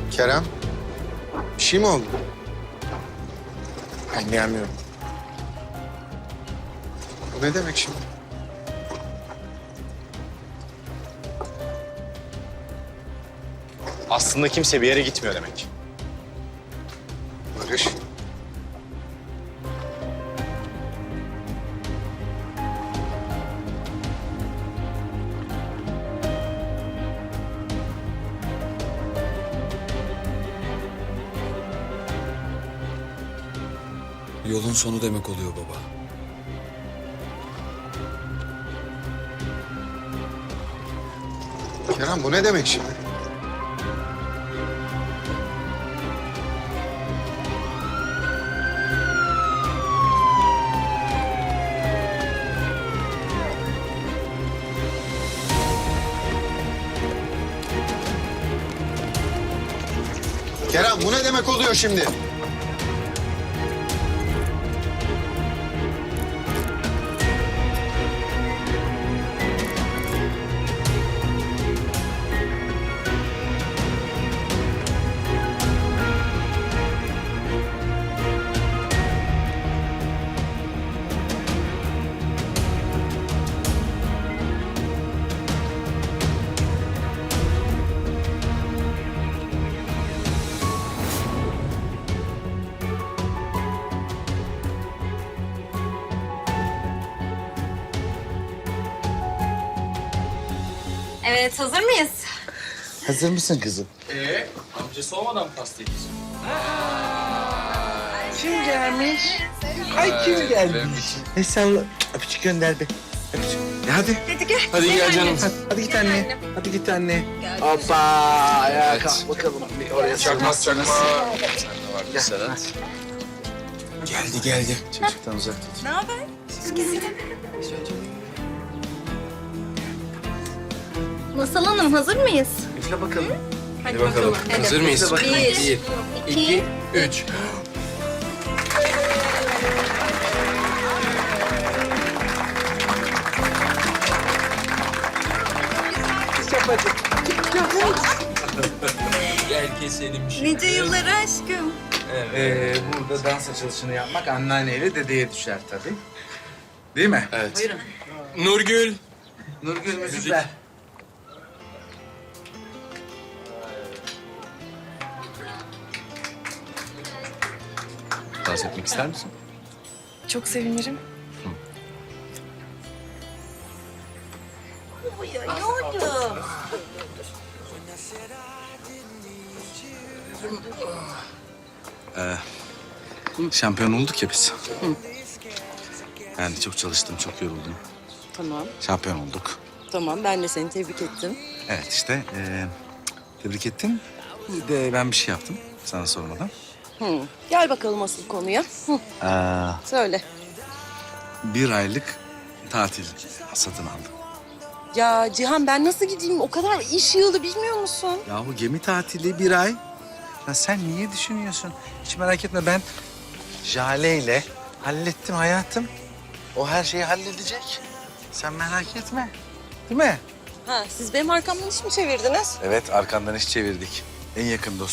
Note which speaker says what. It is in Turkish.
Speaker 1: Kerem, bir şey mi oldu? Anlayamıyorum. Bu ne demek şimdi?
Speaker 2: Aslında kimse bir yere gitmiyor demek.
Speaker 1: Barış.
Speaker 3: Yolun sonu demek oluyor baba.
Speaker 1: Kerem, bu ne demek şimdi? Kerem, bu ne demek oluyor şimdi?
Speaker 4: Evet, hazır mıyız?
Speaker 5: Hazır mısın kızım?
Speaker 2: Amcası olmadan mı pasta yiyeceksin?
Speaker 5: Kim gelmiş? Ay kim gelmiş? Salla. Öpücük gönder be. Öpücük. Hadi.
Speaker 4: Hadi gel.
Speaker 2: Hadi gel canım.
Speaker 5: Hadi git anne.
Speaker 4: annem.
Speaker 5: Hadi git anne.
Speaker 4: Gel
Speaker 5: Hoppa. Ayağa kalk bakalım. Bir oraya
Speaker 2: Çakmaz çakma.
Speaker 5: Gel.
Speaker 2: Sedat.
Speaker 5: Geldi geldi. Çocuktan uzak tut.
Speaker 4: Ne haber? Masal Hanım, hazır mıyız?
Speaker 5: Üfle bakalım.
Speaker 4: Hadi bakalım. Hadi.
Speaker 2: Hazır mıyız?
Speaker 5: Üfle bakalım.
Speaker 4: Bir, iki,
Speaker 2: 3. Gel keselim şimdi.
Speaker 4: nice yıllara aşkım.
Speaker 5: Burada dans açılışını yapmak anneanneyle dedeye düşer tabii. Değil mi?
Speaker 2: Evet. Nurgül.
Speaker 5: Nurgül müzikler.
Speaker 2: Dans etmek ister misin?
Speaker 6: Çok sevinirim.
Speaker 4: Yoğurdum.
Speaker 5: Şampiyon olduk ya biz. Yani çok çalıştım, çok yoruldum.
Speaker 6: Tamam,
Speaker 5: Şampiyon olduk.
Speaker 6: tamam. Ben de seni tebrik ettim.
Speaker 5: Evet işte tebrik ettim. Bir de ben bir şey yaptım sana sormadan.
Speaker 6: Gel bakalım asıl konuya. Söyle.
Speaker 5: Bir aylık tatil satın aldım.
Speaker 6: Ya Cihan ben nasıl gideyim? O kadar iş yığılı bilmiyor musun?
Speaker 5: Yahu gemi tatili bir ay. Ya sen niye düşünüyorsun? Hiç merak etme ben Jale ile hallettim hayatım. O her şeyi halledecek. Sen merak etme. Değil mi?
Speaker 6: Ha, siz benim arkamdan iş mi çevirdiniz?
Speaker 5: Evet arkandan iş çevirdik. En yakın dostum.